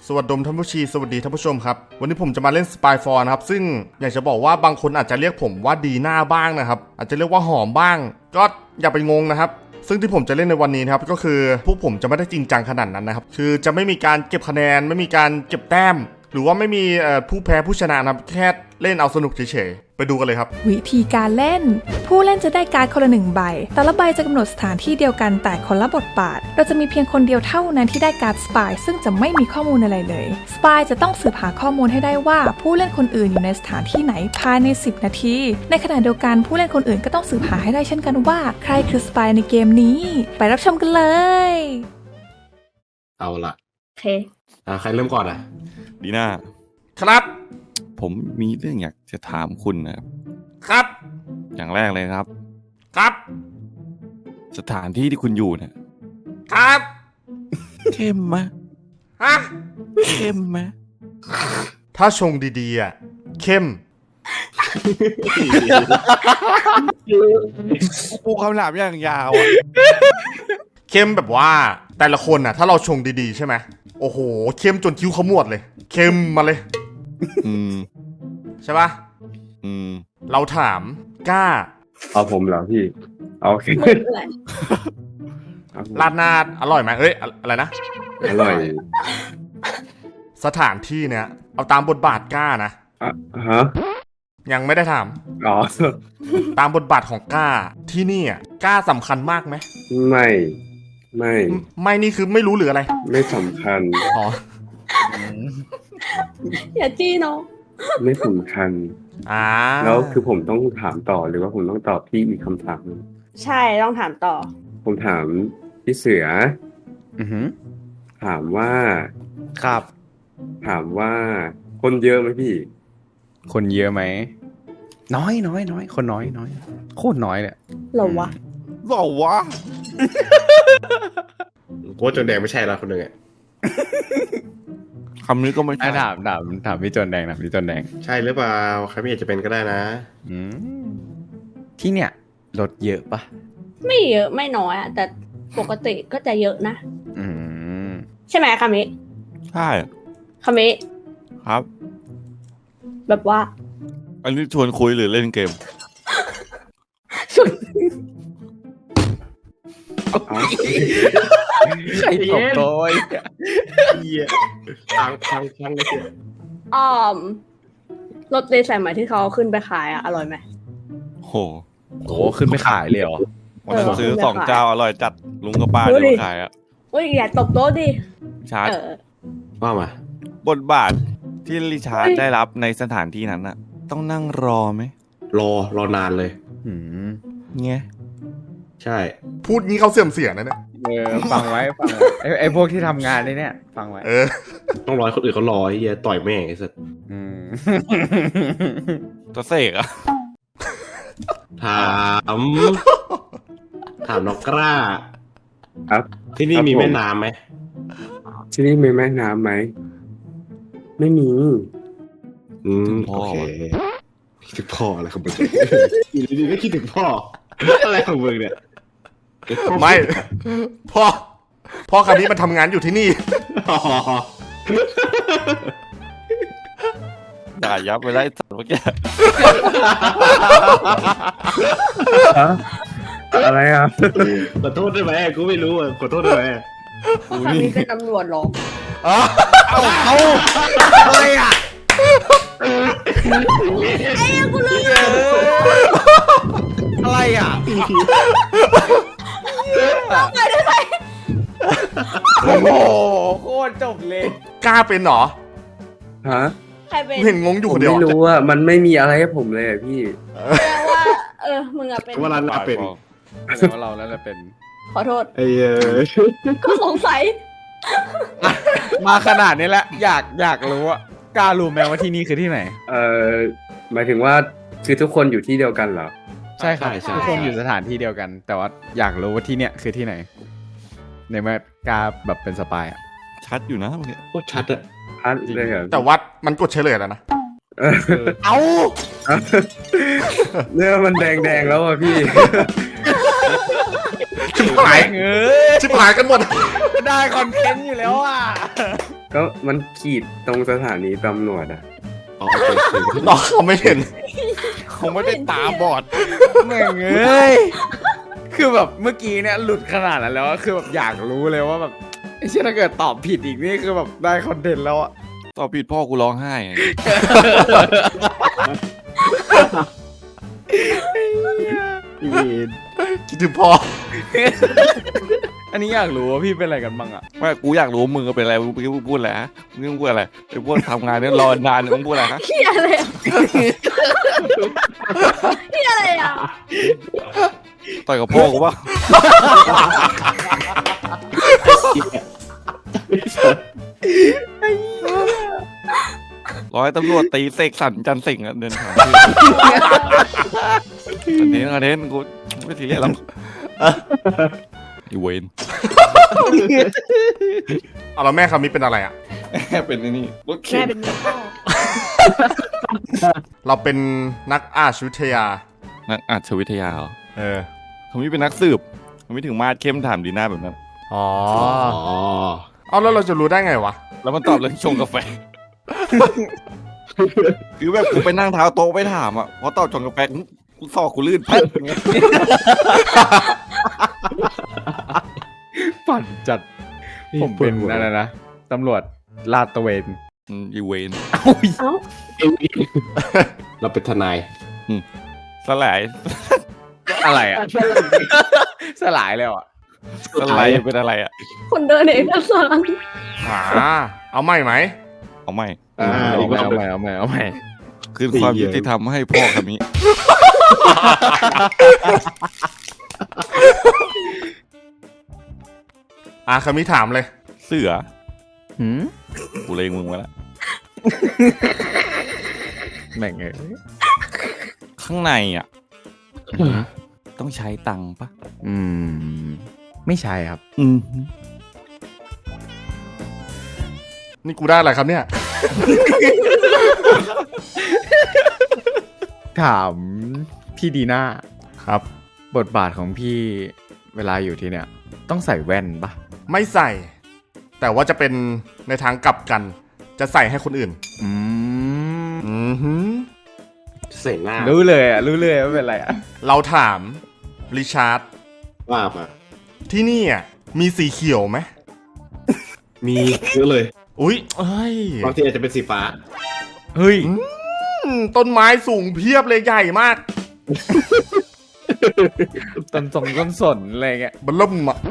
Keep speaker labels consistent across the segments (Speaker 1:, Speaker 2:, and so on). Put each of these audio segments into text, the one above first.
Speaker 1: สวัสดีท่านผู้ชีสวัสดีท่านผู้ชมครับวันนี้ผมจะมาเล่น Spy for นะครับซึ่งอยากจะบอกว่าบางคนอาจจะเรียกผมว่าดีหน้าบ้างนะครับอาจจะเรียกว่าหอมบ้างก็อย่าไปงงนะครับซึ่งที่ผมจะเล่นในวันนี้นะครับก็คือพวกผมจะไม่ได้จริงจังขนาดนั้นนะครับคือจะไม่มีการเก็บคะแนนไม่มีการเก็บแต้มหรือว่าไม่มีผู้แพ้ผู้ชนะครับแค่เล่นเอาสนุกเฉยๆไปดูกันเลยครับ
Speaker 2: วิธีการเล่นผู้เล่นจะได้การ์ดคนละ1ใบแต่ละใบจะกำหนดสถานที่เดียวกันแต่คนละบทบาทเราจะมีเพียงคนเดียวเท่านั้นที่ได้การ์ดสปายซึ่งจะไม่มีข้อมูลอะไรเลยสปายจะต้องสืบหาข้อมูลให้ได้ว่าผู้เล่นคนอื่นอยู่ในสถานที่ไหนภายใน10นาทีในขณะเดียวกันผู้เล่นคนอื่นก็ต้องสืบหาให้ได้เช่นกันว่าใครคือสปายในเกมนี้ไปรับชมกันเลย
Speaker 3: เอาละ
Speaker 2: โอเค
Speaker 3: ใครเริ่มก่อนอ่ะ
Speaker 4: ดีน่า
Speaker 1: ครับ
Speaker 4: ผมมีเรื่องอยากจะถามคุณนะครับ
Speaker 1: ครับ
Speaker 4: อย่างแรกเลยครับ
Speaker 1: ครับ
Speaker 4: สถานที่ที่คุณอยู่เนี่ย
Speaker 1: ครับ
Speaker 4: เข้มไหม
Speaker 1: ฮะ
Speaker 4: เข้มไหม
Speaker 1: ถ้าชงดีๆอ่ะเข้ม
Speaker 4: ปูคำถามอย่างยาวอ่ะ
Speaker 1: เข้มแบบว่าแต่ละคนน่ะถ้าเราชงดีๆใช่ไหมโอ้โหเข้มจนคิ้วขมวดเลยเข้มมาเลยใช่ปะเราถามกล้า
Speaker 5: เอาผมเหรอพี่โอเค
Speaker 1: ราดหน้าอร่อยไหมเอ้ยอะไรนะ
Speaker 5: อร่อย
Speaker 1: สถานที่เนี้ยเอาตามบทบาทกล้านะ
Speaker 5: ฮะ
Speaker 1: ยังไม่ได้ถาม
Speaker 5: อ๋อ
Speaker 1: ตามบทบาทของกล้าที่นี่อ่ะกล้าสำคัญมากไหมไม่นี่คือไม่รู้หรืออะไร
Speaker 5: ไม่สำคัญ
Speaker 1: อ๋อ
Speaker 2: อย่าจี้น้อง
Speaker 5: ไม่สำคัญแล้วคือผมต้องถามต่อหรือว่าผมต้องตอบพี่อีกคำถาม
Speaker 2: ใช่ต้องถามต่อ
Speaker 5: ผมถามพี่เสือถามว่า
Speaker 4: ครับ
Speaker 5: ถามว่าคนเยอะไหมพี่
Speaker 4: คนเยอะไหมน้อยคนน้อยโคตรน้อยเลย
Speaker 2: เหรอวะ
Speaker 3: โค้ชจนแดงไม่ใช่ละคนหนึ่งอ่ะ
Speaker 4: คำนี้ก็ไม่ใช่ถามพี่จนแดงนะพี่จนแดง
Speaker 3: ใช่หรือเปล่าใครไม่อยากจะเป็นก็ได้นะ
Speaker 4: ที่เนี่ยรถเยอะปะ
Speaker 2: ไม่เยอะไม่น้อยอ่ะแต่ปกติก็จะเยอะนะใช่ไหมคามิ
Speaker 4: ใช่
Speaker 2: คามิ
Speaker 4: ครับ
Speaker 2: แบบว่า
Speaker 4: อันนี้ชวนคุยหรือเล่นเกม
Speaker 2: ชวน
Speaker 4: ใครตบโดย
Speaker 3: พังเลยเสีย
Speaker 2: รถเดย์สายใหม่ที่เขาขึ้นไปขายอ่ะอร่อยไหม
Speaker 4: โหขึ้นไปขายเลยเหรอวันนั้นซื้อ2 เจ้าอร่อยจัดลุงกับป้าเดินขายอ่ะ
Speaker 2: อย่าตบโต๊ะดิ
Speaker 4: ชาร์จ
Speaker 3: ว่ามา
Speaker 4: บทบาทที่ริชาร์ดได้รับในสถานที่นั้นน่ะต้องนั่งรอไหม
Speaker 3: รอนานเลย
Speaker 4: เงี้ย
Speaker 3: ใช่
Speaker 1: พูดงี้เขาเสื่อมเสียนะเนี่ย
Speaker 4: ฟังไว้ไอ้พวกที่ทำงานนี่เนี่ยฟังไว้
Speaker 3: ต้องรอคนอื่นเขารอไอ้เหี้ยต่อยแม่งไอ้สัส
Speaker 4: ตัวเสกอะ
Speaker 3: ถามน้องกล้า
Speaker 5: ครับ
Speaker 3: ที่นี่มีแม่น้ำไหม
Speaker 5: ที่นี่มีแม่น้ำไหมไม่มี
Speaker 3: โอเคคิดถึงพ่ออะไรของมึงอยู่ดีๆก็คิดถึงพ่ออะไรของมึงเนี่ย
Speaker 1: ไม่พ่อคันนี้มันทำงานอยู่ที่นี่
Speaker 4: ด่ายับไปไล่สัตว์เมื่อกี้
Speaker 5: อะไรอ่ะ
Speaker 3: ขอโทษได้ไหมกูไม่รู้อ่ะขอโทษได้ไหม
Speaker 2: คันนี้เป็นตำรวจหรอ
Speaker 4: เอาอะไรอ่ะ
Speaker 2: ไอ้กูลืม
Speaker 4: อะไรอ่ะ
Speaker 2: ได้ไหม
Speaker 4: โอ้โหโคตรจบเลย
Speaker 1: กล้าเป็นหรอ
Speaker 5: ฮะ
Speaker 2: ใครเป็น
Speaker 1: เห็นงงอยู่คนเดียว
Speaker 5: ไม่รู้อ่ะมันไม่มีอะไรให้ผมเลยพี่
Speaker 2: แปลว่ามึงอะเป็น
Speaker 3: ว่าเราเป็น
Speaker 4: ว่าเราแล้วเป็น
Speaker 2: ขอโทษก็สงสัย
Speaker 4: มาขนาดนี้แล้วอยากรู้ว่ากล้ารู้ไหมว่าที่นี่คือที่ไหน
Speaker 5: หมายถึงว่าคือทุกคนอยู่ที่เดียวกันเหรอ
Speaker 4: ใช่ครับทุกคนอยู่สถานที่เดียวกันแต่ว่าอยากรู้ว่าที่เนี่ยคือที่ไหนในเมื่อกล้าแบบเป็นสปายอ่ะชัดอยู่นะเมื่อกี้
Speaker 3: โคตรชัดอะ
Speaker 5: ชัดเลยเหรอ
Speaker 1: แต่วัดมันกดเฉลยแล้วนะ
Speaker 4: เอา
Speaker 5: เนี่ยมันแดงแล้วอ่ะพี่
Speaker 1: ชิบหายกันหมด
Speaker 4: ได้คอนเทนต์อยู่แล้วอ่ะ
Speaker 5: ก็มันขีดตรงสถานีตำรวจอ่ะ
Speaker 3: อ๋อโอเค
Speaker 1: น้องเขาไม่เห็น
Speaker 4: เขาไม่ได้ตาบอดแม่งเอ้ยคือแบบเมื่อกี้เนี่ยหลุดขนาดนั้นแล้วอะคือแบบอยากรู้เลยว่าแบบไอ้เชี่ยถ้าเกิดตอบผิดอีกนี่คือแบบได้คอนเทนต์แล้วอะ
Speaker 6: ตอบผิดพ่อกูร้องไห้ไง
Speaker 1: คิดถึงพ่อ
Speaker 4: อันนี้อยากรู้ว่าพี่เป็นอะไรกันบ้างอะ
Speaker 6: ว่ากูอยากรู้มึงเป็นอะไรมึงพูดอะไรฮะมึงพูดอะไรไอ้พวกทำงานเนี่ยรอนานมึงพูดอะไรฮะ
Speaker 7: เฮียอะไรอ่ะเฮียอะไรอ่ะ
Speaker 6: ต่อยกับพ่อกูป่ะร้อยตำรวจตีเสกสรรจันทร์สิงห์อะเดินผ่านอันนี้กูไม่ทีเรียสหรอกอีเวน
Speaker 1: เอาแล้วแม่คามิเป็นอะไรอ่ะ
Speaker 6: เป็นนี่รถ
Speaker 7: แม่
Speaker 6: เข็น
Speaker 7: เป็นเมียพ่อ
Speaker 1: เราเป็นนักอาชวิทยา
Speaker 6: นักอาชวิทยาเหรอ
Speaker 1: เออ
Speaker 6: เขาไม่เป็นนักสืบเขาไม่ถึงมาดเข้มถามดีหน้าแบบนั้น
Speaker 1: อ๋อ
Speaker 3: อ๋อ
Speaker 1: เอาแล้วเราจะรู้ได้ไงวะ
Speaker 6: แล้วมันตอบเรื่องชงกาแฟ คือแบบกูไปนั่งเท้าโต๊ะไปถามอ่ะเพราะตอบชงกาแฟกูซอกกูลื่นปั๊บอย่างเงี้ย
Speaker 4: ปั่นจัดผมเป็นอะไรนะตำรวจลาดตระเวน
Speaker 6: อีเวน
Speaker 7: เอ้า
Speaker 3: เราเป็นทนาย
Speaker 6: สลาย
Speaker 4: อะไรอะสลายแล้วอะ
Speaker 6: สลายเป็นอะไรอ่ะ
Speaker 7: คนเดินเอกสาร
Speaker 1: เอาใหม่ไหม
Speaker 6: เอาไม่
Speaker 4: เอาใหม่เอาใหม่
Speaker 6: คือความยุติธรรมให้พ่อคำนี้
Speaker 1: คามิถามเลย
Speaker 6: เสือ
Speaker 4: หืม
Speaker 6: กูเลงมึงไว้แล้ว
Speaker 4: แม่งเอ้ย
Speaker 6: ข้างในอ่ะ ต้องใช้ตังค์ปะ
Speaker 4: ไม่ใช่ครับ
Speaker 1: นี่กูได้อะไรครับเนี่ย
Speaker 4: ถามพี่ดีน่า
Speaker 1: ครับ
Speaker 4: บทบาทของพี่เวลาอยู่ที่เนี่ย ต้องใส่แว่นปะ
Speaker 1: ไม่ใส่ แต่ว่าจะเป็นในทางกลับกัน จะใส่ให้คนอื่น
Speaker 4: อืม
Speaker 3: ใส่หน้า
Speaker 4: รู้เลยว่าเป็นอะไรอะ
Speaker 1: เราถามริชาร์ด
Speaker 3: ว่ามา
Speaker 1: ที่นี่มีสีเขียวไหม
Speaker 3: มีเยอะเลย
Speaker 1: อุ๊ยเอ้ย
Speaker 3: บางทีอาจจะเป็นสีฟ้า
Speaker 4: เฮ้ย
Speaker 1: ต้นไม้สูงเพียบเลยใหญ่มาก
Speaker 4: ต้นสนอะไรเงี้ย
Speaker 1: บัลล่มอ่ะ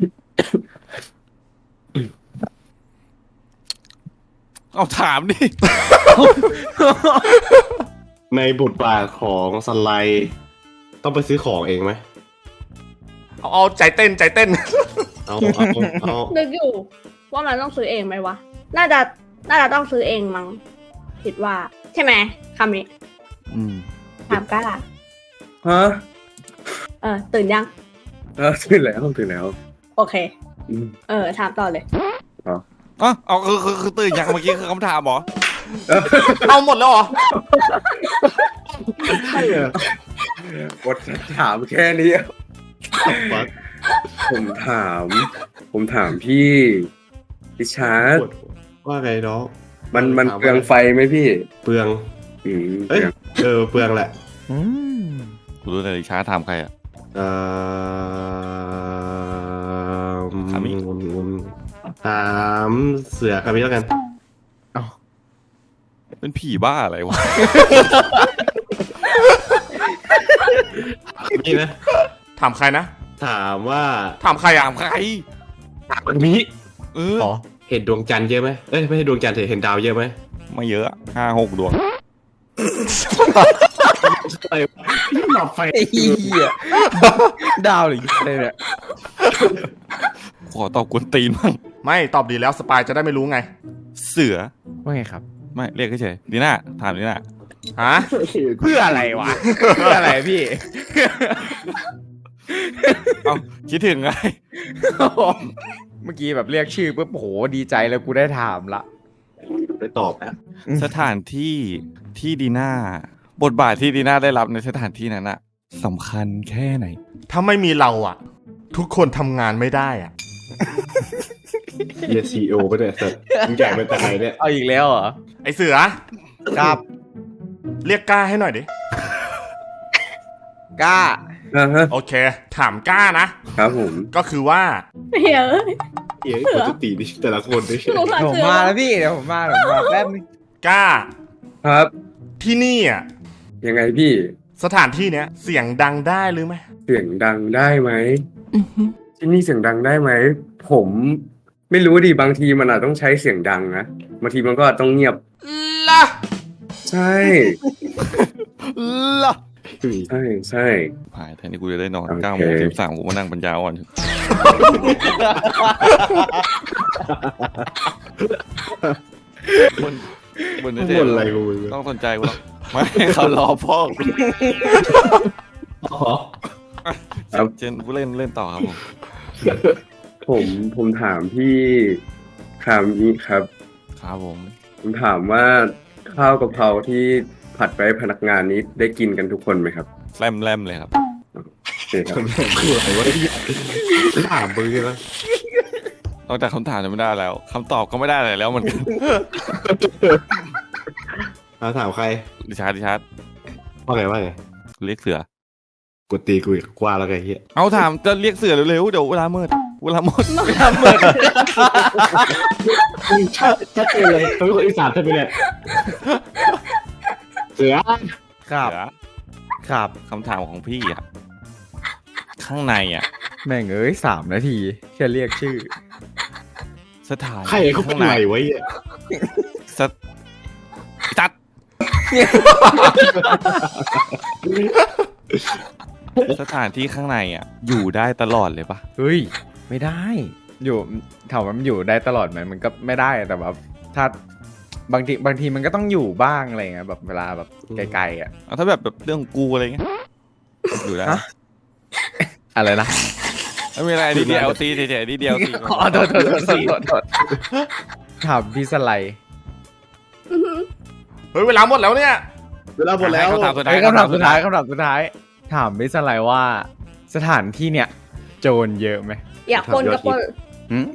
Speaker 6: เอาถามดิ
Speaker 3: ในบทบาทของสไลด์ต้องไปซื้อของเองไหม
Speaker 1: เอาใจเต้น
Speaker 3: เอา
Speaker 7: นึกอยู่ว่ามันต้องซื้อเองไหมวะ น่าจะต้องซื้อเองมั้งคิดว่า ใช่ไหมคำนี้ถามกล้า
Speaker 5: ฮะ
Speaker 7: ตื่นยัง
Speaker 5: ตื่นแล้ว
Speaker 7: โอเค ถามต่อเลย
Speaker 6: เอาคือตื่นยังเมื่อกี้คือคำถามเหรอ
Speaker 1: เอาหมดแล้วเหรอ
Speaker 3: ใช่เหรอบ
Speaker 5: ทถามแค่นี้
Speaker 3: วัด
Speaker 5: ผมถามพี่ริชาร์ด
Speaker 3: ว่าไงน้อง
Speaker 5: มันเปลืองไฟไหมพี่
Speaker 3: เปลือง
Speaker 5: เปลือง
Speaker 3: เปลืองแหละ
Speaker 6: กูรู้เลยช้าถามใครอ่ะ ถามอีก
Speaker 3: ถามเสือคามิแล้วกัน
Speaker 6: เป็นผีบ้าอะไรวะ
Speaker 3: นี่นะ
Speaker 1: ถามใครนะ
Speaker 3: ถามว่า
Speaker 1: ถามใครอ่ะ
Speaker 6: ถามใคร
Speaker 3: คามิ
Speaker 6: เออ
Speaker 1: อ๋อ
Speaker 3: เห็นดวงจันทร์เยอะไหมเอ้ยไม่ใช่ดวงจันทร์เห็นดาวเยอะไหม
Speaker 6: ไม่เยอะ5-6 ดวง
Speaker 3: อะไรหลับไฟ
Speaker 4: ไอ้เหี้ยดาวหรืออะไรเนี่ย
Speaker 6: ขอตอบกวนตีนบ้าง
Speaker 1: ไม่ตอบดีแล้วสปายจะได้ไม่รู้ไง
Speaker 6: เสือ
Speaker 4: ว่าไงครับ
Speaker 6: ไม่เรียกเฉยๆดีน่าถามดีน่า
Speaker 1: ฮะ
Speaker 4: เพื่ออะไรวะ เพื่ออะไรพี่
Speaker 6: เอาคิดถึงไง
Speaker 4: เมื่อกี้แบบเรียกชื่อปุ๊บโหดีใจแล้วกูได้ถามละ
Speaker 3: ไปตอบนะ
Speaker 6: สถานที่ที่ดีน่าบทบาทที่ดีน่าได้รับในสถานที่นั้นอะสำคัญแค่ไหน
Speaker 1: ถ้าไม่มีเราทุกคนทำงานไม่ได้
Speaker 3: เฮียซีโอปะเนี่ยสัตว์มึงแก่เป็นแต่ไหนเนี่ย
Speaker 4: เอาอีกแล้วเหรอ
Speaker 1: ไอเสือ
Speaker 4: ครับ
Speaker 1: เรียกกล้าให้หน่อยดิ
Speaker 4: กล้า
Speaker 1: โอเค ถามกล้านะ
Speaker 5: ครับผม
Speaker 1: ก็คือว่า
Speaker 7: เฮ้ย
Speaker 3: เฮียคนจะตีดิแต่ละคนดิ
Speaker 7: สงสาร
Speaker 4: ผม
Speaker 7: เสือ
Speaker 4: มาแล้วพี่เดี๋ยวผมมาแป๊บนึง
Speaker 1: กล้า
Speaker 5: ครับ
Speaker 1: ที่นี่อ่ะ
Speaker 5: ยังไงพี่
Speaker 1: สถานที่เนี้ยเสียงดังได้หรือไม่
Speaker 5: เสียงดังได้ไหมที่นี่เสียงดังได้ไหมผมไม่รู้ดิบางทีมันอาจต้องใช้เสียงดังนะบางทีมันก็ต้องเงียบ
Speaker 1: ล่ะ
Speaker 5: ใช่
Speaker 1: ล่ะ
Speaker 5: ใช่ใช่
Speaker 6: หายแทนที่กูจะได้นอน
Speaker 5: โอเค
Speaker 6: 9 โมง 13กูมานั่งปัญญาอ่อนบน
Speaker 3: บ่นอะไรกูมึง
Speaker 6: ต้องสนใจกูหรอกไม่เขารอพ่อกู
Speaker 5: ครับ
Speaker 6: เจนผู้เล่นต่อครับผม
Speaker 5: ผมถามพี่คามิครับ
Speaker 6: ครับผม
Speaker 5: ผมถามว่าข้าวกะเพราที่ผัดไปให้พนักงานนี้ได้กินกันทุกคนไหมครับ
Speaker 6: แลมเลยครับ
Speaker 5: โอเคครับ
Speaker 3: คืออะไรวะถามมึงนะ
Speaker 6: นอกจากคำถามจะไม่ได้แล้วคำตอบก็ไม่ได้อะไรแล้วเหมือนกัน
Speaker 3: ถามใคร
Speaker 6: ดิชาร์ด
Speaker 3: ว่าไงว่าไง
Speaker 6: เรียกเสือ
Speaker 3: กูตีกูอีกกว่าแล้วไงเฮีย
Speaker 6: เอาถามจะเรียกเสือเร็วๆเดี๋ยวเวลามืด
Speaker 3: ชัดเจนเลยเขาเป็นคนอีสานใช่ไหมเนี่ยเสือ
Speaker 4: ครับ
Speaker 6: เสือ
Speaker 4: ครับ
Speaker 6: คำถามของพี่อ่ะข้างในอ่ะ
Speaker 4: แม่งเอ้ย3 นาทีแค่เรียกชื่อ
Speaker 6: สถาน
Speaker 3: ใครเขาเป็นไรไว้เนี่ย
Speaker 6: ตัดสถานที่ข้างในอ่ะ อยู่ได้ตลอดเลยปะ
Speaker 4: เฮ้ย ไม่ได้ อยู่ถามว่ามันอยู่ได้ตลอดไหมมันก็ไม่ได้แต่แบบถ้าบางทีมันก็ต้องอยู่บ้างอะไรเงี้ยแบบเวลาแบบไกลๆอ่ะ
Speaker 6: เอาถ้าแบบเรื่องของกูอะไรเงี้ยอยู่ได้
Speaker 4: ฮะ อะไรนะ
Speaker 6: ไม่มีอะไรดีเดียวซีเฉยๆดีเดียวซี
Speaker 4: อ๋อโทษถามพี่สไลด์
Speaker 1: เฮ้ยเวลาหมดแล้วเนี่ย
Speaker 3: เวลาหมดแล้ว
Speaker 6: คำถามสุดท้าย
Speaker 4: คำถามสุดท้ายถามพี่สไลด์ว่าสถานที่เนี่ยโจรเยอะไหม
Speaker 7: อยากคนกับคน
Speaker 6: หืม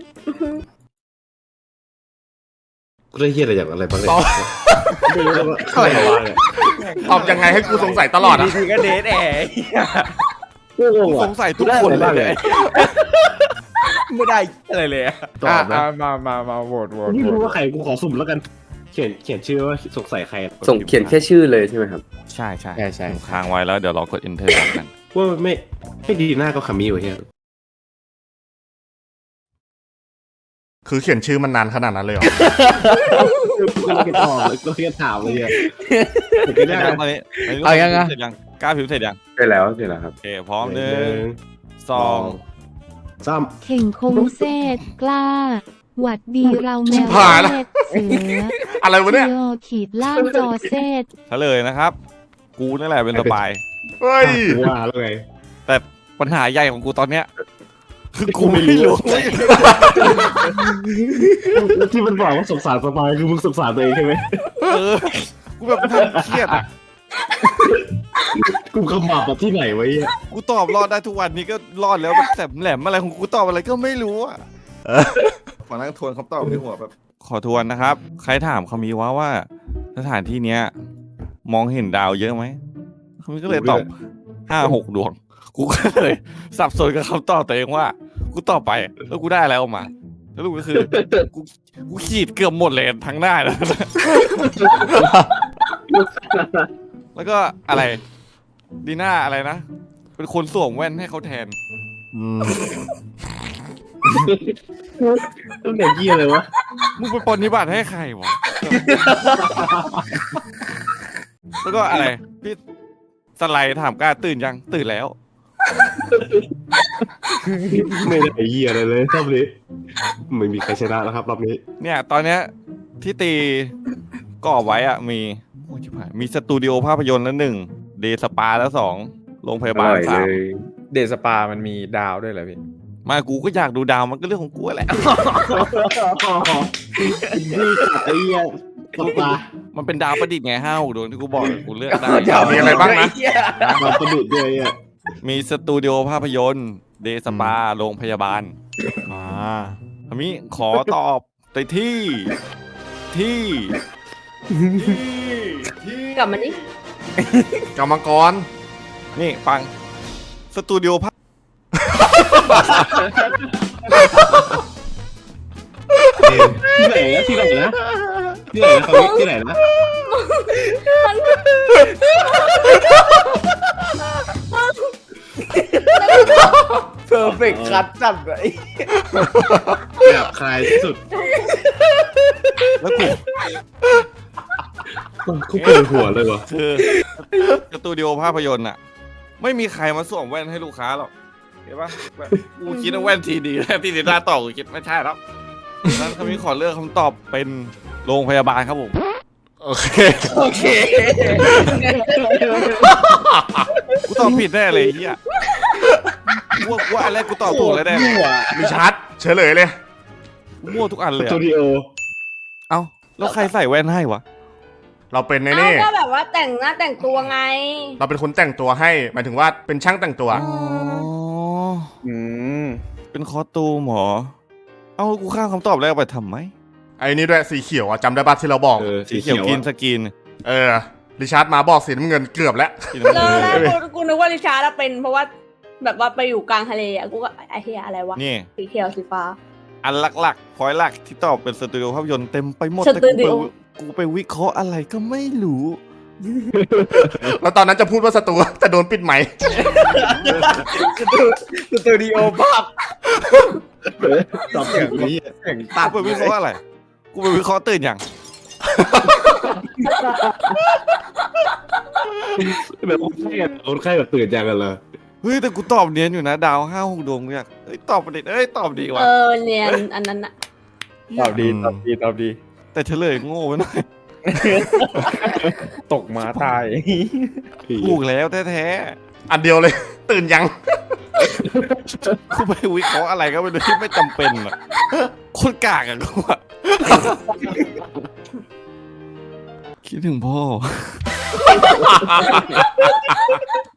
Speaker 3: กูได้เฮียอะไรอย่างอะไรบ้างเนี่ยไม่รู้เลยว่า
Speaker 1: อะไรวะ ตอบยังไงให้กูสงสัยตลอดอ่ะ
Speaker 4: ดีๆก็เดทแอร์
Speaker 3: กูงง
Speaker 6: ส
Speaker 3: ว่ะ
Speaker 6: งสัยทุกคนเลย
Speaker 4: ไม่ได้อะไรเลยอะ
Speaker 3: ตอบนะ
Speaker 4: มาโหวต
Speaker 3: ไม่รู้ว่าใครกูขอสุ่มแล้วกัน เขียนชื่อว่าสงสัยใคร
Speaker 5: ส่งเขียนแค่ชื่อเลยใช่ไหมครับ
Speaker 6: ใช่
Speaker 4: ใช่
Speaker 6: ค้างไว้แล้วเดี๋ยวรอกด enter กัน
Speaker 3: ว่าไม่ดีหน้าก็คามิวะเฮีย
Speaker 1: คือเขียนชื่อมันนานขนาดนั้นเลยเหรอ
Speaker 3: ก็เลยตอบก็เลยถามเลยเนี่ย
Speaker 6: เสร็จยังตอนนี้เสร็จยังกล้าผิวเสร็จยัง
Speaker 5: ใช่แล้วครับ
Speaker 6: โอเคพร้อม1 2
Speaker 3: ซ้
Speaker 8: เข่งคงเซตกล้า หวัดดีเราแมว
Speaker 1: ผ่านละ
Speaker 8: เซตเสือ
Speaker 1: อะไรวะเนี่ย
Speaker 8: โยขีดล่างจอเซต
Speaker 6: เฉลยนะครับ กูนั่นแหละเป็นสปาย
Speaker 1: เฮ้ย
Speaker 3: ำว่าแล้วไง
Speaker 6: แต่ปัญหาใหญ่ของกูตอนเนี้ยคือกูไม่รู้
Speaker 3: แล้วที่มันบอกว่าสงสารสปายคือมึงสงสารตัวเองใช่ไหม
Speaker 6: กูแบบนั่งเครียดอ่ะ
Speaker 3: กูขมับแบบที่ไหนไว้เนี่ย
Speaker 6: กูตอบรอดได้ทุกวันนี้ก็รอดแล้วแบบแสบแหลมอะไรของกูตอบอะไรก็ไม่รู้อ่ะขอนั่งทวนคำตอบในหัวแบบ ขอทวนนะครับ ใครถามเขามีว่าสถานที่เนี้ย มองเห็นดาวเยอะไหมเขามีก็เลยตอบ5-6 ดวง กูก็เลยสับสนกับคำตอบตัวเองว่า กูตอบไปแล้วกูได้อะไรออกมาแล้วรู้ก็คือกูขีดเกือบหมดเลยทั้งหน้าแล้ว แล้วก็อะไรดีน่าอะไรนะ เป็นคนสวมแว่นให้เขาแทน
Speaker 3: ต้องเด็กเยี่ยเลยวะ
Speaker 6: มึงไปปฏิบัติให้ใครวะ แล้วก็อะไร พี่สไลด์ถามกล้าตื่นยังตื่นแล้ว
Speaker 3: ไม่ได้เยี่ยอะไรเลยรอบนี้ไม่มีใครชนะแล้วครับรอบนี้
Speaker 6: เนี่ยตอนเนี้ยที่ตีก่อไว้อะมีโอ้ยชิบหายมีสตูดิโอภาพยนตร์แล้ว1 เดย์สปาแล้ว2 โรงพยาบาล
Speaker 5: อร่อยเลย
Speaker 6: 3
Speaker 4: เดทสปามันมีดาวด้วยเหรอพี่
Speaker 6: มากูก็อยากดูดาวมันก็เรื่องของกูแหละ
Speaker 3: นี่กัดไอ้เหี้ยปลา
Speaker 6: มันเป็นดาวประดิษฐ์ไง5-6 ดวงที่กูบอกกูเลือกได้
Speaker 1: มีอะไรบ้างนะ
Speaker 3: ปลาประดุดด้วยอ่ะ
Speaker 6: มีสตูดิโอภาพยนตร์เดย์สปาโรงพยาบาลคามิขอตอบในที่
Speaker 7: กลับมาดิ
Speaker 1: กรรมกร
Speaker 6: นี่ฟังสตูดิโอภาพ
Speaker 3: ที่ไหนนะที่ไหนนะที่ไหนนะเขาที่ไหนนะ
Speaker 4: เพอร์เฟกต์คัดจัดเลย
Speaker 3: แบบคลายที่สุด
Speaker 6: แล้วกู
Speaker 3: กูเปิดหัวเลยวะ
Speaker 6: คือสตูดิโอภาพยนตร์อะไม่มีใครมาสวมแว่นให้ลูกค้าหรอกเห็นปะแบบกูคิดว่าแว่นทีดีแล้วที่ดีหน้าต่อกูคิดไม่ใช่แล้วนั้นคามิขอเลือกคำตอบเป็นโรงพยาบาลครับผม
Speaker 1: โอเค
Speaker 4: โอเค
Speaker 6: กูตอบผิดแน่เลยไอ้เฮียว่าอันแรกกูตอบถูกแล้วแน่เลย
Speaker 1: มีชัดเฉลยเลย
Speaker 6: กูมั่วทุกอันเลย
Speaker 3: สตู
Speaker 6: อะ
Speaker 3: ดิโอ
Speaker 6: เอ้าแล้วใครใส่แว่นให้วะ
Speaker 1: เราเป็นใน
Speaker 7: เอ้า
Speaker 1: นี่
Speaker 7: ก็แบบว่าแต่งหน้าแต่งตัวไง
Speaker 1: เราเป็นคนแต่งตัวให้ หมายถึงว่าเป็นช่างแต่งตัว
Speaker 6: อ๋อ
Speaker 4: อืม
Speaker 6: เป็นคอสตูมเหรอเอ้ากูข้ามคำตอบแรกไปทำไม
Speaker 1: ไอ้นี่ด้วยสีเขียวอะจำได้ป่ะที่เราบอก
Speaker 6: สีเขียวกินสกิน
Speaker 1: ริชาร์ดมาบอกสีน้ำเงินเกือบแล้ว
Speaker 6: สีน้ำ
Speaker 7: เจ
Speaker 6: เงิ
Speaker 7: อน แล้วกูนึกว่าริชาร์ดเป็นเพราะว่าแบบว่าไปอยู่กลางทะเลอ่ะกูก็ไอ้เหี้ยอะไรวะ
Speaker 6: นี่
Speaker 7: สีเขียวสีฟ้า
Speaker 6: อันหลักๆพอยหลักที่ตอบเป็นสตูดิโอภาพยนตร์เต็มไปหมด
Speaker 7: ส
Speaker 6: แต่
Speaker 7: ตูดิโอ
Speaker 6: กูไปวิเคราะห์อะไรก็ไม่รู้
Speaker 1: แล้วตอนนั้นจะพูดว่าสตูแต่โดนปิดไหมค์
Speaker 4: สตูดิโอภาพ
Speaker 3: ตอบแบบนี้
Speaker 4: เสียง
Speaker 6: ตั
Speaker 4: ตั
Speaker 6: ด
Speaker 4: ด
Speaker 6: ไปวิเคราะห์อะไร กูไปวิเคราะห์ตื่นอย่าง
Speaker 3: แบบคนไข้แบบตื่นจังกันเลย
Speaker 6: เฮ้ยแต่กูตอบเนียนอยู่นะดาว5-6 ดวงกูอยากเฮ้ยตอบประเด็นตอบดีว่ะ
Speaker 7: เรียนอันนั้นอะ
Speaker 4: ตอบดีตอบดีตอบดี
Speaker 6: แต่เฉลยโง่ไปหน่อย
Speaker 4: ตกมาตาย
Speaker 6: ถูกแล้วแท้
Speaker 1: อันเดียวเลย ตื่นยัง
Speaker 6: ๆกูไปวิเคราะห์อะไรก็ไม่รู้ที่ไม่จำเป็นอ่ะโคตรกากอ่ะกูอะคิดถึงพ่อ